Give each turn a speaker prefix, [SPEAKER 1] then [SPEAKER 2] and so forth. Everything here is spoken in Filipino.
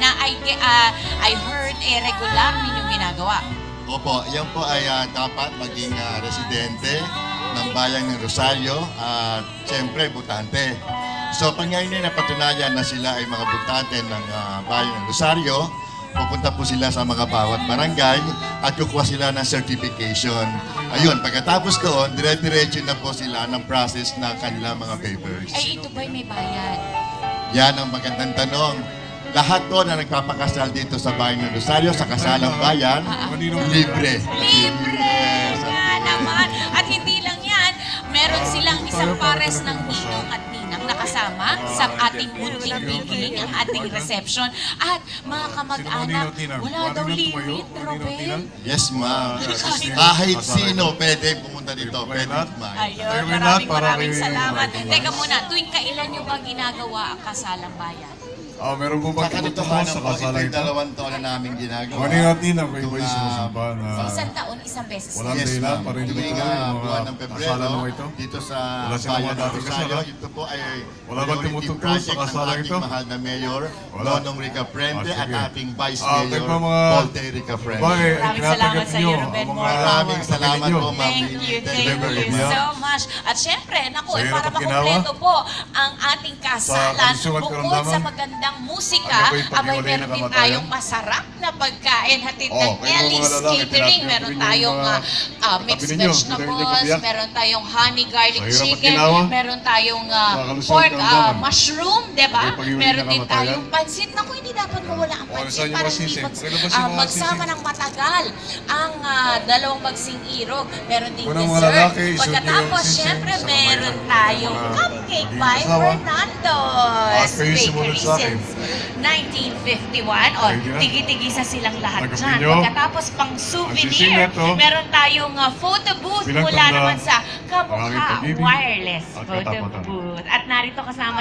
[SPEAKER 1] na I heard regular ninyong ginagawa.
[SPEAKER 2] Opo, yan po ay dapat maging residente ng bayan ng Rosario at siyempre butante. So pag ngayon ay napatunayan na sila ay mga butante ng bayan ng Rosario, pupunta po sila sa mga bawat barangay at kukuha sila ng certification. Ayun, pagkatapos doon, dire-diretso na po sila ng process ng kanilang mga papers.
[SPEAKER 1] Ay, ito ba'y may bayad?
[SPEAKER 2] Yan ang magandang tanong. Lahat to na nagpapakasal dito sa bayan ng Rosario, sa kasalang bayan, libre.
[SPEAKER 1] Libre! Nga naman. At hindi lang yan, meron silang isang pares ng ninong at ninang nakasama sa ating munting beginning, ang ating reception. At mga kamag-anak, wala daw limit, Robel.
[SPEAKER 2] Yes, ma'am. Kahit sino pwede pumunta dito, pwede kumain.
[SPEAKER 1] Ayun, maraming salamat. Teka muna, tuwing kailan nyo ba ginagawa ang kasalang bayan?
[SPEAKER 3] Meron po
[SPEAKER 2] Sa
[SPEAKER 3] ba tumutuko
[SPEAKER 2] katotohanan
[SPEAKER 3] sa
[SPEAKER 2] po, ito
[SPEAKER 3] kasalan
[SPEAKER 2] yung
[SPEAKER 3] ito?
[SPEAKER 2] 2 taon na namin ginagawa.
[SPEAKER 3] Morning natin ang kayo ba
[SPEAKER 2] Itong,
[SPEAKER 3] sinusumpa na
[SPEAKER 1] Sa isang taon, isang beses.
[SPEAKER 3] walang
[SPEAKER 2] Yes,
[SPEAKER 3] dahilan
[SPEAKER 2] ma'am.
[SPEAKER 3] para hindi
[SPEAKER 2] Tuwing,
[SPEAKER 3] tuloy yung
[SPEAKER 2] buwan ng
[SPEAKER 3] mga
[SPEAKER 2] Pebrero,
[SPEAKER 3] kasalan mo ito?
[SPEAKER 2] dito sa
[SPEAKER 3] Wala silang
[SPEAKER 2] bayan
[SPEAKER 3] mga
[SPEAKER 2] ng
[SPEAKER 3] dati
[SPEAKER 2] Rosario,
[SPEAKER 3] kasal,
[SPEAKER 2] ito po ay
[SPEAKER 3] Wala bang
[SPEAKER 2] priority
[SPEAKER 3] tumutuko sa
[SPEAKER 2] project ng
[SPEAKER 3] kasalan
[SPEAKER 2] ating
[SPEAKER 3] ito?
[SPEAKER 2] mahal na Mayor,
[SPEAKER 3] Wala.
[SPEAKER 2] Nonong Rica Frente, at
[SPEAKER 3] Sige.
[SPEAKER 2] ating Vice
[SPEAKER 3] Kayo
[SPEAKER 2] Mayor,
[SPEAKER 3] pa mga...
[SPEAKER 2] Volte Rica Frente.
[SPEAKER 3] Maraming
[SPEAKER 1] Maraming salamat sa iyo, Ruben Moore.
[SPEAKER 2] Maraming salamat po, ma'am.
[SPEAKER 1] Thank you so much. At syempre, naku,
[SPEAKER 3] Sa'yo
[SPEAKER 1] para
[SPEAKER 3] na pagkinawa.
[SPEAKER 1] makumpleto po ang ating kasalan,
[SPEAKER 3] kalusugan
[SPEAKER 1] bukod
[SPEAKER 3] karamdaman.
[SPEAKER 1] sa magandang musika,
[SPEAKER 3] Ano ba yung
[SPEAKER 1] abay
[SPEAKER 3] paghiwalay
[SPEAKER 1] meron
[SPEAKER 3] ng
[SPEAKER 1] din
[SPEAKER 3] kamatayan?
[SPEAKER 1] tayong masarap na pagkain hatid ng
[SPEAKER 3] Oh, kayo
[SPEAKER 1] Ellie's
[SPEAKER 3] mga lalaki,
[SPEAKER 1] Catering.
[SPEAKER 3] tinatapos
[SPEAKER 1] Meron
[SPEAKER 3] yung
[SPEAKER 1] tayong
[SPEAKER 3] mga
[SPEAKER 1] mixed
[SPEAKER 3] tabi ninyo,
[SPEAKER 1] vegetables,
[SPEAKER 3] hindi kayo kapiyak.
[SPEAKER 1] meron tayong honey garlic
[SPEAKER 3] Sa hirap at
[SPEAKER 1] chicken,
[SPEAKER 3] ginawa.
[SPEAKER 1] meron tayong
[SPEAKER 3] Makakalusog
[SPEAKER 1] pork
[SPEAKER 3] karamdaman.
[SPEAKER 1] mushroom, diba?
[SPEAKER 3] Kayo paghiwalay
[SPEAKER 1] Meron
[SPEAKER 3] ng
[SPEAKER 1] din
[SPEAKER 3] kamatayan.
[SPEAKER 1] tayong pansit. Naku, hindi dapat mawala ang
[SPEAKER 3] Oh,
[SPEAKER 1] pansit
[SPEAKER 3] saan yung
[SPEAKER 1] para
[SPEAKER 3] mga
[SPEAKER 1] hindi
[SPEAKER 3] sisig? Pakilabas yung mga
[SPEAKER 1] magsama
[SPEAKER 3] sisig.
[SPEAKER 1] ng matagal ang dalawang bagsing irog. Meron ding
[SPEAKER 3] Unang mga
[SPEAKER 1] dessert.
[SPEAKER 3] lalaki, isuot niyo
[SPEAKER 1] Pagkatapos,
[SPEAKER 3] yung sisig
[SPEAKER 1] syempre,
[SPEAKER 3] sa
[SPEAKER 1] meron
[SPEAKER 3] kamay.
[SPEAKER 1] tayong
[SPEAKER 3] Mga
[SPEAKER 1] cupcake
[SPEAKER 3] magiging
[SPEAKER 1] by
[SPEAKER 3] asawa.
[SPEAKER 1] Fernando's
[SPEAKER 3] kayo sumunod
[SPEAKER 1] Bakery
[SPEAKER 3] sa akin.
[SPEAKER 1] since 1951. O,
[SPEAKER 3] Pwede na.
[SPEAKER 1] tigi-tigisa silang lahat
[SPEAKER 3] Tagapin
[SPEAKER 1] dyan.
[SPEAKER 3] nyo.
[SPEAKER 1] Pagkatapos, pang
[SPEAKER 3] Ang
[SPEAKER 1] souvenir,
[SPEAKER 3] sisig na to.
[SPEAKER 1] meron tayong photo booth
[SPEAKER 3] Bilang
[SPEAKER 1] mula
[SPEAKER 3] tanda,
[SPEAKER 1] naman sa
[SPEAKER 3] maraming
[SPEAKER 1] Kamukha
[SPEAKER 3] pag-ibig
[SPEAKER 1] Wireless
[SPEAKER 3] at
[SPEAKER 1] Photo
[SPEAKER 3] katapatan.
[SPEAKER 1] Booth. At narito kasama